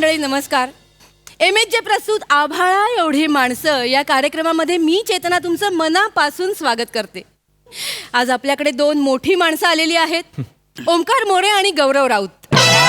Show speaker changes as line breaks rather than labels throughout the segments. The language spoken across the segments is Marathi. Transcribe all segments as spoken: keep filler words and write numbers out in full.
मंडळी नमस्कार. एम एच जे प्रस्तुत आभाळा एवढी माणसं या कार्यक्रमामध्ये मी चेतना तुमचं मनापासून स्वागत करते. आज आपल्याकडे दोन मोठी माणसं आलेली आहेत, ओमकार मोरे आणि गौरव राऊत.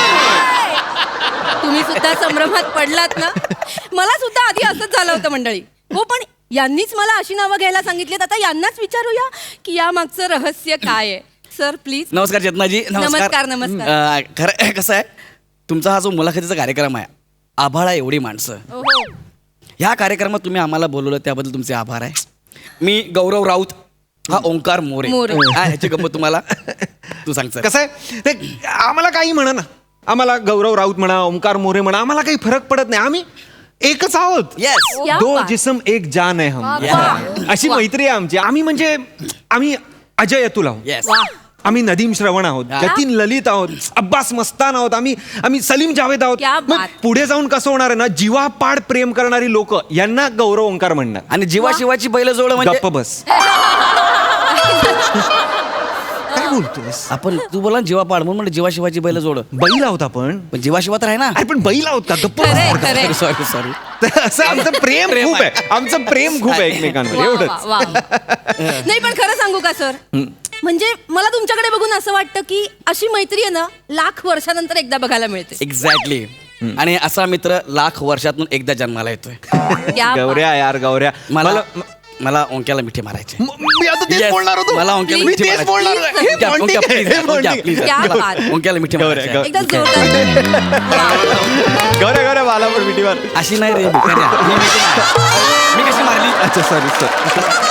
तुम्ही सुद्धा संभ्रमात पडलात ना? मला सुद्धा आधी असंच झालं होतं मंडळी. हो, पण यांनीच मला अशी नावं घ्यायला सांगितलीत. आता यांनाच विचारूया की या मागचं रहस्य काय आहे. Sir please.
नमस्कार चेतनाजी.
नमस्कार नमस्कार.
खरं कसं आहे, तुमचा हा जो मुलाखतीचा कार्यक्रम आहे आभाळा एवढी माणसं, ह्या कार्यक्रमात तुम्ही आम्हाला बोलवलं त्याबद्दल तुमचे आभार आहे. मी गौरव राऊत, हा ओंकार मोरे. हा ह्याची गंमत तुम्हाला तू सांग.
कसं आहे ते, आम्हाला काही म्हणा ना, आम्हाला गौरव राऊत म्हणा, ओंकार मोरे म्हणा, आम्हाला काही फरक पडत नाही. आम्ही एकच आहोत.
येस.
दो जिसम एक जान आहे हम. अशी मैत्री आहे आमची. आम्ही म्हणजे आम्ही अजय अतुल आहोत.
येस.
आम्ही नदीम श्रवण आहोत, जतीन ललित आहोत, अब्बास मस्तान आहोत, आम्ही आम्ही सलीम जावेद आहोत. मग पुढे जाऊन कसं होणार आहे ना, जीवापाड प्रेम करणारी लोक यांना गौरव ओंकार म्हणणार.
आणि जीवाशिवाची बैल जोड म्हणजे
गप्प बस. काय बोलतोस
आपण? तू बोला जीवापाड म्हणून म्हणजे जीवाशिवाची बैल जोड.
बैल आहोत आपण,
पण जीवाशिवा तर आहे ना.
अरे पण बैल आहोत का? गप्प.
Sorry sorry.
असं आमचं प्रेम खूप आहे. आमचं प्रेम खूप आहे एकमेकांवर. एवढंच.
नाही पण खरं सांगू का सर, म्हणजे मला तुमच्याकडे बघून असं वाटतं की अशी मैत्री आहे ना, लाख वर्षानंतर एकदा बघायला मिळते.
एक्झॅक्टली. आणि असा मित्र लाख वर्षातून एकदा जन्माला येतोय.
गौऱ्या यार गौऱ्या,
मला मला ओंक्याला मिठी मारायचे.
मी आता तेच बोलणार होतो.
मला ओंक्याला मिठी मारायची. ओंक्याला मिठी मारायची.
गौऱ्या गौऱ्या मला पण मिठी मार.
अशी नाही रे, मी कशी मारली?
अच्छा सॉरी सर.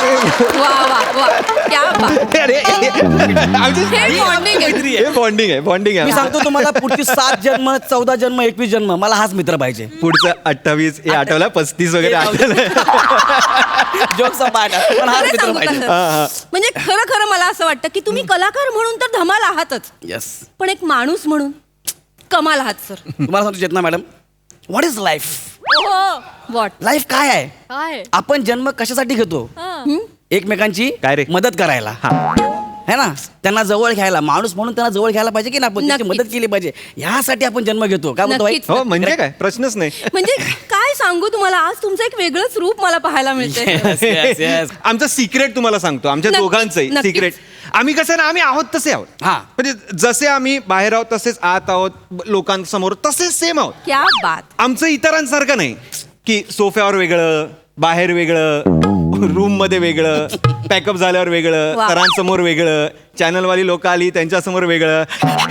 बॉन्डिंग आहे, बॉन्डिंग आहे.
मी सांगतो तुम्हाला, पुढची सात जन्म, चौदा जन्म, एकवीस जन्म मला हाच मित्र पाहिजे.
पुढचं अठ्ठावीस हे आठवला, पस्तीस वगैरे आठवलं.
जोकचा पाठ पण हाच मित्र पाहिजे.
म्हणजे खरं खरं मला असं वाटतं की तुम्ही कलाकार म्हणून तर धमाल आहातच,
येस,
पण एक माणूस म्हणून कमाल आहात सर.
तुम्हाला सांगतो Chetana madam, what is life?
What
life काय आहे?
काय
आपण जन्म कशासाठी घेतो? एकमेकांची
काय रे?
मदत करायला, है ना? त्यांना जवळ घ्यायला, माणूस म्हणून त्यांना जवळ घ्यायला पाहिजे की ना, आपण त्यांची मदत केली पाहिजे. यासाठी आपण जन्म घेतो. काय म्हणतो?
हो म्हणजे काय, प्रश्नच नाही.
म्हणजे काय सांगू तुम्हाला, आज तुमचं एक वेगळंच रूप मला पाहायला मिळते.
आमचं सिक्रेट तुम्हाला सांगतो, आमच्या दोघांचं सिक्रेट. आम्ही कसं ना, आम्ही आहोत तसे आहोत.
हा,
म्हणजे जसे आम्ही बाहेर आहोत तसेच आत आहोत, लोकांसमोर तसेच सेम आहोत.
क्या बात.
आमचं इतरांसारखं नाही की सोफ्यावर वेगळं, बाहेर वेगळं, रूम मध्ये वेगळं, पॅकअप झाल्यावर वेगळं, सरांसमोर वेगळं, चॅनलवाली लोक आली त्यांच्यासमोर वेगळं.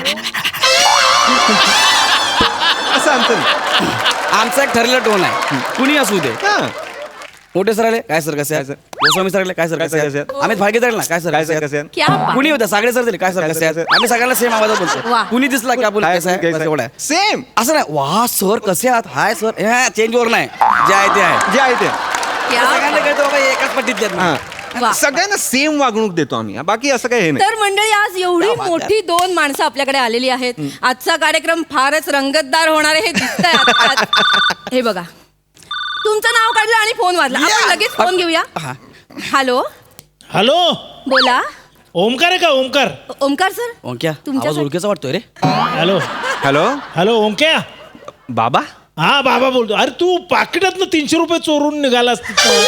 असं आमचं
आमचा एक ठरलेला टोन आहे. कुणी असू दे. मोठे सर आले काय सर कसे आहे? गोस्वामी सर आले काय सर कसे आहेत? अमित भागे ना काय सर
काय कसे?
कुणी होतं सागडे सर दिले काय सर कसे आहेत? आम्ही सगळ्यांना सेम आवाजात बोलतो. कुणी दिसला की आपण कसं आहे एवढं
सेम.
असं नाही वा सर कसे आहात, हाय सर, चेंज वर नाही, जे आहे ते आहे,
जे आहे ते
सगळ्यांना कळतो बाबा एकाच पट्टीत.
सगळ्यांना सेम वागणूक देतो आम्ही, बाकी असं काही हे नाही.
तर मंडळी, आज एवढी मोठी दोन माणसं आपल्याकडे आलेली आहेत. आजचा कार्यक्रम फारच रंगतदार होणार आहे हे दिसतंय. हे बघा, तुमचं नाव काढलं आणि फोन वाजला. आपण लगेच फोन घेऊया. हॅलो
हॅलो,
बोला.
ओमकार आहे का? ओमकार.
ओमकार सर.
ओंक्या, आवाज ओळखीचा वाटतोय रे.
हॅलो
हॅलो
हॅलो ओमक्या.
बाबा.
हा बाबा बोलतो. अरे तू पाकिटात तीनशे रुपये चोरून निघालास.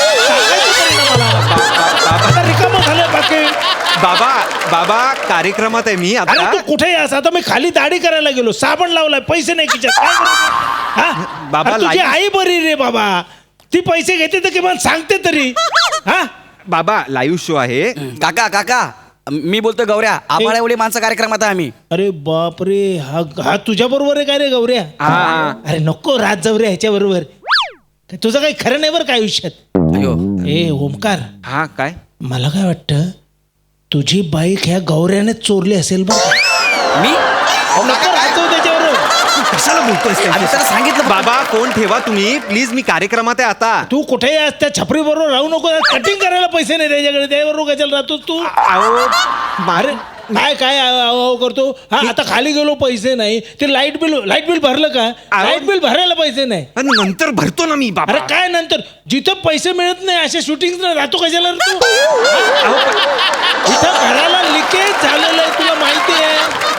रिकाम झालं पाकिट.
बाबा बाबा कार्यक्रमात आहे मी
अरे
आता.
तू कुठे आहेस? आता मी खाली दाढी करायला गेलो, साबण लावलाय, पैसे नाही खिशात. बाबा तुझी आई बरी रे बाबा, ती पैसे घेते तर किमान सांगते तरी. हा
बाबा लाईव्ह शो आहे.
काका काका मी बोलतोय गौऱ्या, आभाळा एवढी माणसं कार्यक्रमात आहे आम्ही.
अरे बापरे, हा हा तुझ्या बरोबर आहे काय रे गौऱ्या? अरे नको राज जाऊ रे ह्याच्या बरोबर. तुझं काही खरं नाही बरं काय आयुष्यात.
अयो
ए ओमकार.
हा काय?
मला काय वाटतं, तुझी बाईक ह्या गौऱ्याने चोरली असेल बरं.
मी
त्याच्यावर
कशाला बोलतोय?
सांगितलं
बाबा फोन ठेवा तुम्ही प्लीज, मी कार्यक्रमात आहे आता.
तू कुठेही आज त्या छपरी बरोबर राहू नको. कटिंग करायला पैसे नाही त्याच्याकडे, त्याबरोबर कशाला राहतोस तू? अरे काय काय आव करतो? हा आता खाली गेलो, पैसे नाही. ते लाईट बिल लाईट बिल भरलं का? लाईट बिल भरायला पैसे नाही.
नंतर भरतो ना मी बाबा.
अरे काय नंतर? जिथं पैसे मिळत नाही अशा शूटिंग राहतो कशाला तू? इथं घराला लिकेज झालेलं आहे, तुला माहिती आहे.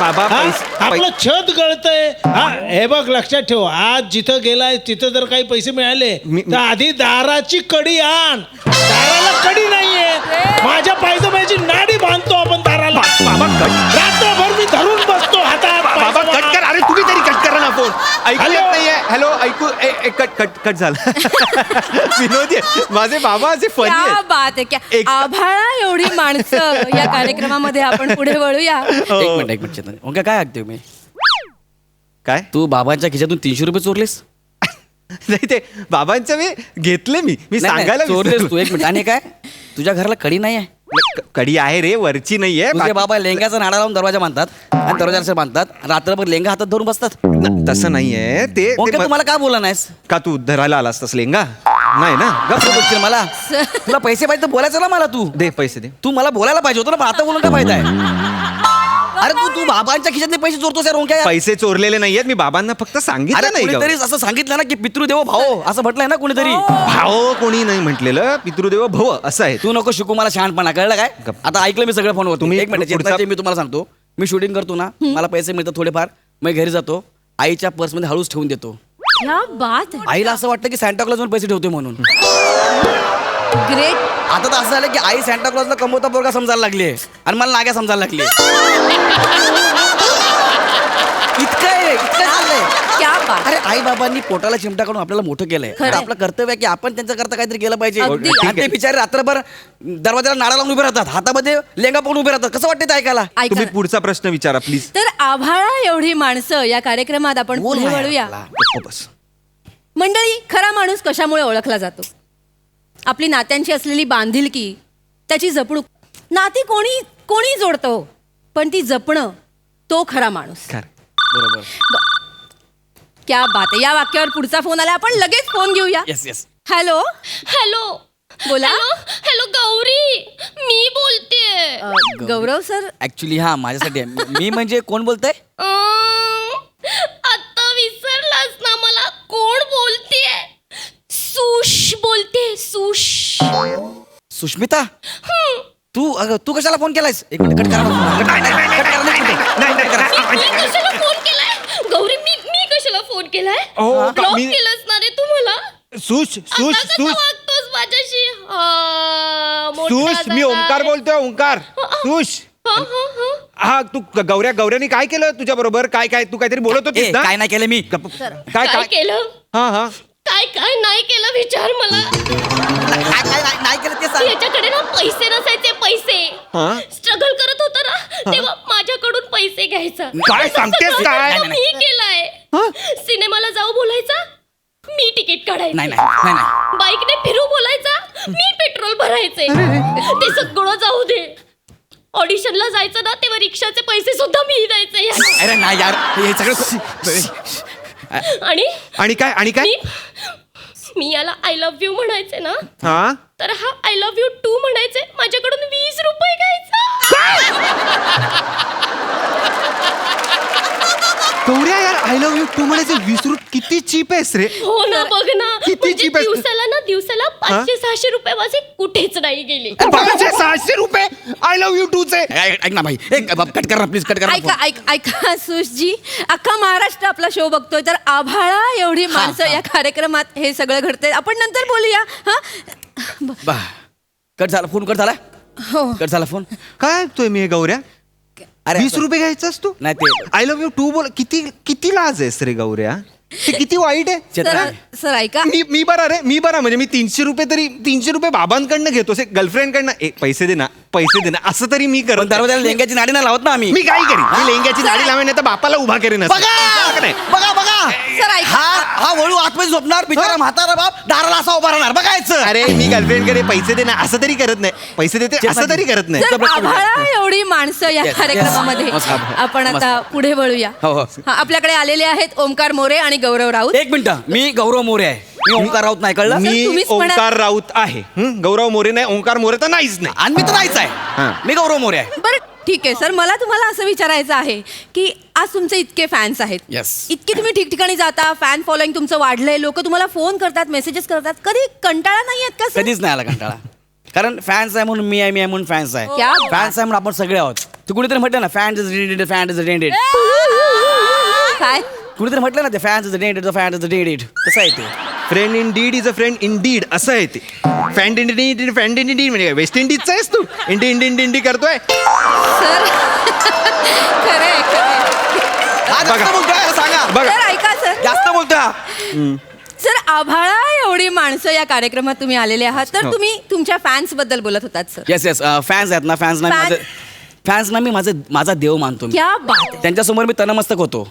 बाबा,
हा?
पैसे-
आपलं छत गळतंय हा हे बघ लक्षात ठेव आज जिथं गेलाय तिथं जर काही पैसे मिळाले
मी-
तर आधी दाराची कडी आण. दाराला कडी नाहीये माझ्या पायजमाची नाडी बांधतो आपण दाराला.
बाबा कट
रात्रभर मी धरून बसतो हातात
बाबा
पायजमा.
कट कर. अरे तुम्ही तरी कट करा ना फोन. ऐकू
हॅलो?
येत नाहीये. हॅलो ऐकू ए, ए, कट कट कट झालं. विनोदी आहे. माझे बाबा असे फनी
क्या
आहेत.
बात आहे क्या
एक-
आभाळा एवढी माणसं या कार्यक्रमामध्ये आपण पुढे वळूया.
एक मिनिट एक मिनिट चेतन ओंकार काय ऐकतोय मी
काय
तू बाबांच्या खिशातून तीनशे रुपये चोरलेस
नाही ते बाबांचं मी घेतले मी मी
नाही, नाही,
सांगायला
चोरलेस
विसरलो.
तू एक मिनिट आणि काय तुझ्या घराला कडी नाही आहे
क- कडी आहे रे वरची नाहीये
तुझे
बाकी-
बाबा लेंगाचा नाडा लावून दरवाजा बांधतात आणि दरवाजा बांधतात रात्रभर लेंगा हातात धरून बसतात
न- तसं नाहीये ते ते
ओंकार
म-
तू मला का बोला नाहीस
का तू धरायला आलास तस लेंगा नाही ना
गप्प बोलशील मला तुला पैसे पाहिजे तर बोलायचं ना मला तू
दे पैसे दे
तू मला बोलायला पाहिजे होतं ना पण आता बोलून काय फायदा आहे अरे तू तू बाबांच्या खिशातले पैसे चोरतोस यार ओंकार
पैसे चोरलेले नाहीयेत मी बाबांना फक्त
अरे
सांगितलं नाही
कोणीतरी
का?
असं सांगितलं ना की पितृदेव भाऊ असं म्हटलंय ना कोणीतरी
भाव कोणी नाही म्हटलेलं पितृदेव भव असं आहे
तू नको शिकू मला शहाणपणा कळलं काय
गप्प.
आता ऐकलं मी सगळं फोनवर
तुम्ही
एक मिनिट
पुढचा-
चेतनाचे मी तुम्हाला सांगतो मी शूटिंग करतो ना मला पैसे मिळतात थोडेफार मी घरी जातो आईच्या पर्समध्ये हळूच ठेवून देतो
क्या बात आहे
आईला असं वाटतं की सॅन्टा क्लॉज पैसे ठेवतोय म्हणून
ग्रेट.
आता तर असं झालं की आई सॅन्टा क्लॉजला कमवता पोरगा समजायला लागली आणि मला नाग्या समजायला लागली इतकं आहे इतकं चाललंय
क्या बात.
अरे आई बाबांनी पोटाला चिमटा काढून आपल्याला मोठं केलंय
खरंय.
तर आपलं कर्तव्य आहे की आपण त्यांच्या करता काहीतरी केलं पाहिजे
अगदी.
आणि ते बिचारे रात्रभर दरवाजाला नाडा लावून उभे राहतात हातामध्ये लेंगा पकडून उभे राहतात कसं वाटतं ते ऐकायला
ऐका
तुम्ही
ना.
पुढचा प्रश्न विचारा प्लीज
तर आभाळा एवढी माणसं या कार्यक्रमात आपण
बोल
पुढे
बाहेर
वळूया.
आपला.
बस
मंडळी खरा माणूस कशामुळे ओळखला जातो आपली नात्यांची असलेली बांधिलकी त्याची जपणूक नाती कोणी कोणी जोडतो पण ती जपणं तो खरा माणूस.
खरं.
बरोबर
क्या बात आहे. या वाक्यावर पुढचा फोन आला आपण लगेच फोन घेऊया.
येस येस
हॅलो
हॅलो
बोला.
हॅलो हॅलो गौरी मी बोलतेय
अ, गौरव सर
ऍक्च्युली हा माझ्यासाठी आहे. मी म्हणजे कोण बोलतंय
अं, आता विसरलास ना मला कोण बोलतेय सुश बोलते सुश
सुष्मिता तू अगं तू कशाला फोन केलायस एक मिनिट कट करा ना. कट करा, कट करा, एक मिनिट. कट करा.
मी कशाला फोन केलाय गौरी मी मी कशाला फोन केलाय
हो, का-
ब्लॉक
मी-
केलंस ना रे तू मला
सुश सुश
आता कसं
सुश
वागतोस माझ्याशी हा, मोठा
सुश मी
झालाय.
ओंकार बोलतोय ओंकार सुश
हा, हा, हा.
हा तू ग- गौऱ्या गौऱ्यानी काय केलं तुझ्या बरोबर काय काय तू काहीतरी बोलत
ए,
होतीस ना
काय नाही केलं मी
गप्प.
सर.
काय
काय
काय
केलं
हा हा
काय काय नाही केलं विचार मला
काय काय नाही- नाही केलं ते सांग
याच्याकडे ना पैसे नसायचे पैसे
हा?
स्ट्रगल करत होता ना तेव्हा माझ्याकडून पैसे घ्यायचा
काय
असं
सांगतेस
सगळं
काय?
सगळं मी केलंय सिनेमाला जाऊ बोलायचा मी तिकीट काढायचं
नाही नाही नाही नाही
बाईकने फिरू बोलायचा मी पेट्रोल भरायचे ते सगळं जाऊ दे ऑडिशनला जायचं ना तेव्हा रिक्षाचे पैसे सुद्धा मी द्यायचे यार.
अरे नाही यार हे सगळं
आणि
आणि काय आणि काय
मी मी याला आय लव्ह यू म्हणायचे ना
हा
तर हा आय लव्ह यू टू म्हणायचे माझ्याकडून वीस रुपये घ्यायचा
गौऱ्या यार आय लव्ह यू तू म्हणायचे वीस रुपये किती चीप आहेस रे
हो ना बघ ना
किती
म्हणजे
cheap आहे.
दिवसाला ना दिवसाला पाचशे सहाशे रुपये माझे कुठेच नाही गेले
पाचशे सहाशे रुपये आय लव्ह यू टू चे
ऐक ऐक ना भाई एक कट कर ना प्लीज कट कर ना
ऐका ऐक ऐका सुशजी अख्खा महाराष्ट्र आपला शो बघतोय तर आभाळा एवढी माणसं या कार्यक्रमात हे सगळं घडतंय आपण नंतर बोलूया हा ब-
बा कट झाला फोन कट झाला
हो
कट झाला फोन
काय ऐकतोय मी हे गौऱ्या
अरे
वीस
असं-
रुपये घ्यायचास तू
नाही ते
आय लव्ह यू टू बोल किती किती लाज आहेस रे गौऱ्या ते किती वाईट आहे
सर
चेतना
सर ऐका
मी मी बरा रे मी बरा म्हणजे मी तीनशे रुपये तरी तीनशे रुपये बाबांकडनं घेतो गर्लफ्रेंडकडनं ए पैसे दे ना पैसे दे ना असं तरी मी
पण
करत
दरवाजाला लेंग्याची नाडी नाही लावत ना आम्ही
मी काय करीन मी लेंग्याची नाडी लावेन नाही तर बापाला उभा करेन असं.
बघा
नाही.
बघा बघा
सर ऐका
हा हा वळू आतमध्ये झोपणार बिचारा म्हातारा बाप दाराला असा उभा राहणार बघायचं
अरे मी गर्लफ्रेंडकडे पैसे दे ना असं तरी करत नाही पैसे देते असं तरी करत नाही
सर आभाळा एवढी माणसं या
Yes,
कार्यक्रमामध्ये
yes. मस्त, मस्त.
आपण आता पुढे वळूया
हो, हो.
हा, आपल्याकडे आलेले आहेत ओमकार मोरे आणि गौरव राऊत
एक मिनिट मी गौरव मोरे आहे मी ओंकार राऊत नाही कळलं
मी
तुम्हीच म्हणा-
ओंकार राऊत आहे हं? गौरव मोरे नाही ओंकार मोरे तर नाहीच नाही
आणि मी तर नाहीच
हा.
आहे मी गौरव मोरे आहे
बरं ठीक आहे सर मला तुम्हाला असं विचारायचं आहे की आज तुमचे इतके फॅन्स आहेत
Yes.
इतके तुम्ही ठिकठिकाणी जाता फॅन फॉलोईंग तुमचं वाढलंय लोक तुम्हाला फोन करतात मेसेजेस करतात कधी कंटाळा नाही येत का सर
कधीच नाही आला कंटाळा कारण फॅन्स आहे म्हणून मी आहे मी आहे म्हणून फॅन्स आहे
क्या बात.
फॅन्स आहे म्हणून आपण सगळे आहोत तू कुणीतरी म्हटलं ना fan is dented fan is dented
काय
कुणीतरी म्हटलं ना ते fan is dented fan is dented कसं आहे ते
friend in deed is a friend in deed असं आहे ते fan in deed fan in deed म्हणजे वेस्ट इंडिजचा आहेस तू इंडी इंडी इंडी इंडी करतोय
सर खरंय खरंय.
हा, जास्त
बघा.
बोलतोय, सांगा
बघा
सर ऐका सर
जास्त बोलता
सर आभाळा एवढी माणसं या कार्यक्रमात तुम्ही आलेले आहात तर
हो.
तुम्ही तुमच्या फॅन्स बद्दल बोलत होतात सर.
येस येस फॅन्स आहेत ना फॅन्स ना
Fans-
माझं फॅन्स ना मी माझं माझा देव मानतो मी
क्या बात आहे.
त्यांच्यासमोर मी तनमस्तक होतो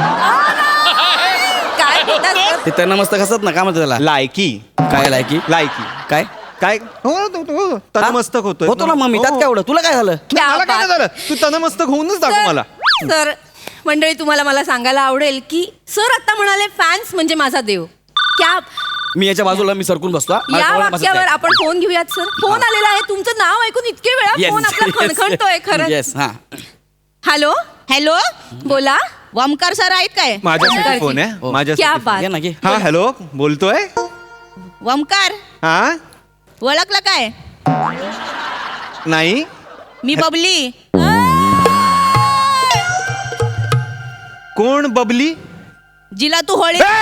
काय बोलतात सर?
ते तनमस्तक असतात ना काय म्हणतात त्याला
लायकी
काय लायकी
लायकी
काय
काय हो हो, हो तनमस्तक होतोय
होतो ना मग मी त्यात काय एवढं तुला काय झालं
क्या
मला काय
बात.
नाही झालं तू तनमस्तक होऊनच दाखव मला
सर सर, मंडळी तुम्हाला मला सांगायला आवडेल की सर आता म्हणाले फॅन्स म्हणजे माझा देव. क्या
मी याच्या बाजूला मी सरकून बसतो हा. मला
या
कळलं बसत
वाक्यावर
काय.
आपण फोन घेऊयात सर. फोन आलेला आहे तुमचं नाव ऐकून इतके वेळा
Yes,
फोन आपला
yes,
खणखणतोय खरं.
येस हा
हॅलो हॅलो बोला वमकार सर आहेत काय
माझ्यासाठी
ओमकारजी.
फोन आहे
क्या
माझ्यासाठी
बात.
घे ना घे
हा हॅलो बोलतोय
वमकार
हा
ओळखलं काय
नाही
मी बबली
कोण बबली
जिला तू Holi
sir,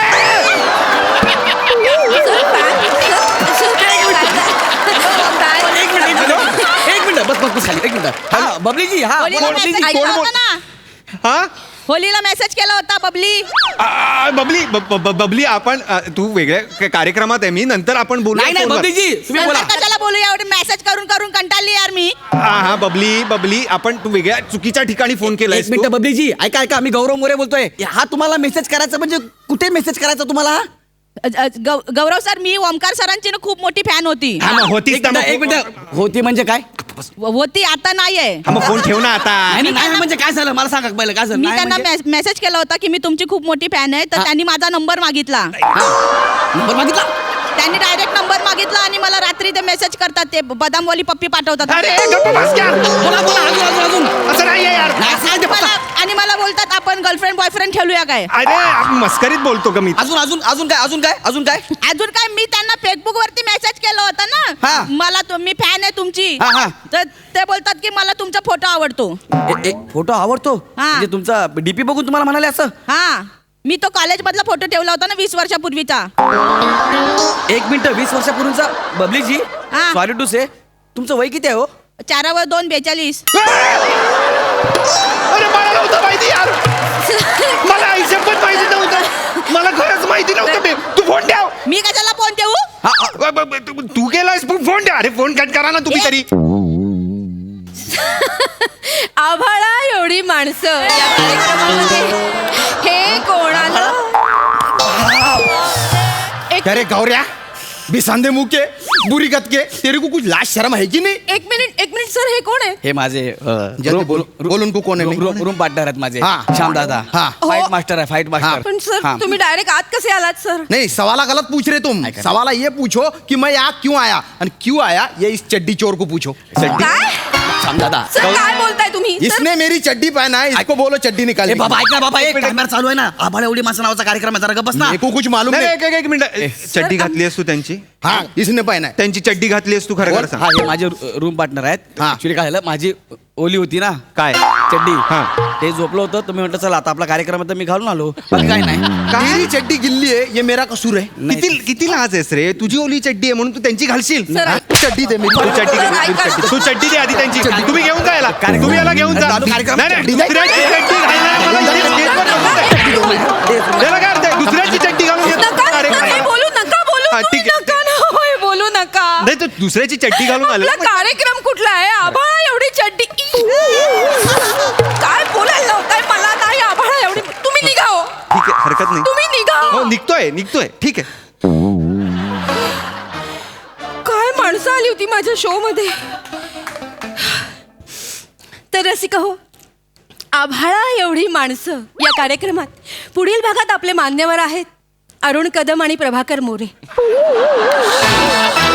fan- sir, sir, काय बोलताय? fan-
एक मिनिट एक मिनिट एक मिनिट बस बस बस खाली एक मिनिट हा बबलीजी हा
होळीला
बबलीजी
मेसेज
कोण
केला
बोल-
होता ना
हा
होलीला मेसेज केला होता बबली
आ, आ, बबली ब- ब- ब- बबली आपण आ, तू वेगळ्या क- कार्यक्रमात आहे मी नंतर आपण बोलू
नाही नाही बबलीजी तुम्ही बोला
नंतर कशाला बोलू एवढी मेसेज करून करून कंटाळली यार मी
हा हा बबली बबली आपण तू वेगळ्या चुकीच्या ठिकाणी फोन केलाय
एक मिनिट बबलीजी ऐका ऐका मी गौरव मोरे बोलतोय हा तुम्हाला मेसेज करायचा म्हणजे कुठे मेसेज करायचा तुम्हाला
अ- अ- गौ- गौरव सर मी ओमकार सरांची ना खूप मोठी फॅन होती
हा मग होतीच
एक
ना
मिनिट
मग.
एक मिनिट होती म्हणजे काय
व- होती आता नाहीये
हा मग फोन ठेव ना आता
नाही नाही, नाही म्हणजे काय झालं मला सांगा पहिलं काय झालं
मी
नाही
त्यांना
म्हणजे-
मेस- मेसेज केला होता की मी तुमची खूप मोठी फॅन आहे तर
हा.
त्यांनी माझा नंबर मागितला
नंबर मागितला
त्यांनी डायरेक्ट नंबर मागितला आणि मला रात्री ते मेसेज करतात ते बदामवाली पप्पी पाठवतात
अरे गप्प बस क्या?
बोला बोला अजून अजून अजून
असं नाहीये यार
नाही, सांग
आणि
ते
मला
पप्पा.
आणि मला बोलतात आपण गर्लफ्रेंड बॉयफ्रेंड ठेवूया काय
अरे आपण मस्करीत बोलतो का मी
अजून अजून अजून काय अजून काय अजून काय
अजून काय मी त्यांना फेसबुक वरती मेसेज केला होता
हा.
ना मला तो- मी फॅन आहे तुमची
हा, हा.
तर ते बोलतात की मला तुमचा फोटो आवडतो
ए- एक फोटो आवडतो
हा.
म्हणजे तुमचा डीपी बघून तुम्हाला म्हणाले असं
हा मी तो कॉलेज मधला फोटो ठेवला होता ना वीस वर्षापूर्वीचा
एक मिनिट वीस वर्षापूर्वीचा बबलीजी
हा.
सॉरी टू से तुमचं वय किती आहे हो
चारावर दोन बेचाळीस
अरे मला नव्हतं माहिती यार मला आयुष्यात पण माहिती नव्हतं मला खरंच माहिती नव्हतं बे. तू फोन ठेव
मी कशाला फोन ठेवू
हा, हा.
ब- ब- ब- तू- तू केलायस पण फोन ठेव अरे फोन कट करा ना तुम्ही तरी
आभाळा एवढी माणसं या कार्यक्रमामध्ये हे कोणाला एक
अरे गौऱ्या बिसांदे मुके बुरी कतके तेरे को कुछ लाज शर्म है कि नहीं
एक मिनिट एक मिनिट सर हे कोण आहे
हे माझे
जल्दी बोल बोलून को कोण आहे मी?
रूम पार्टनर आहेत माझे
हा.
श्याम दादा
हा.
फाईट
हो.
मास्टर आहे फाईट मास्टर
पण सर
हा.
तुम्ही डायरेक्ट आत कसे आलात सर
नहीं सवाला गलत पूछ रहे तुम
कर-
सवाला ये पूछो कि मैं यहाँ क्यों आया और क्यों आया ये इस चड्डी चोर को पूछो
काय
श्याम दादा
सर काय बोलताय तुम्ही सर
इसने मेरी चड्डी पहना है इसको बोलो चड्डी निकाल
ए बाबा ऐक ना बाबा एक कॅमेरा चालू आहे ना आभाळ एवढी माणसं नावाचा कार्यक्रम आहे जरा गप्प बस ना
मेरे को कुछ मालूम
नाही,
नहीं
एक एक- एक मिनिट चड्डी घातली आहेस तू त्यांची
हाँ इसने पहना है
त्यांची चड्डी घातली आहेस तू खरं खरं सांग
हा हे माझे रूम पार्टनर आहेत
हा.
ऍक्च्युली काय झालं माझी ओली होती ना
काय
चड्डी
हा.
ते झोपलं होतं तुम्ही म्हटलं चला आता आपला कार्यक्रम आहे तर मी घालून आलो बाकी काय नाही
मेरी चड्डी गिल्ली है ये मेरा कसूर है
नाही.
किती किती लाज आहेस रे तुझी ओली चड्डी आहे म्हणून तू त्यांची घालशील
सर,
हा?
चड्डी दे मेरी
तू चड्डी
सर,
घे,
ऐका
तू
ना.
चड्डी- तू चड्डी दे आधी त्यांची तुम्ही घेऊन जा याला
कार्यक्रम-
तुम्ही याला घेऊन जा
चालू कार्यक्रम-
नाही, नाही,
चड्डी दे.
दुसऱ्याची चड्डी घालणार मला इथे स्टेजवर नको आहे. त्याला काय अर्थ आहे? दुसऱ्याची चड्डी घालून येतो
नका सर,
कार्यक्रमाला.
हे बोलू नका बोलू
हा,
तुम्ही
ठीक आहे.
नका ना होय बोलू नका
नाही तर दुसऱ्याची चड्डी घालून आले
आपला कार्यक्रम कुठला आहे आभाळा एवढी चड्डी काय बोलायला लावताय मला नाही आभाळा एवढी तुम्ही निघा हो
ठीक आहे हरकत नाही
तुम्ही निघा
हो निघतोय निघतोय ठीक आहे
काय माणसं आली होती माझ्या शो मध्ये तर रसिका हो आभाळा एवढी माणसं या कार्यक्रमात पुढील भागात आपले मान्यवर आहेत अरुण कदम आणि प्रभाकर मोरे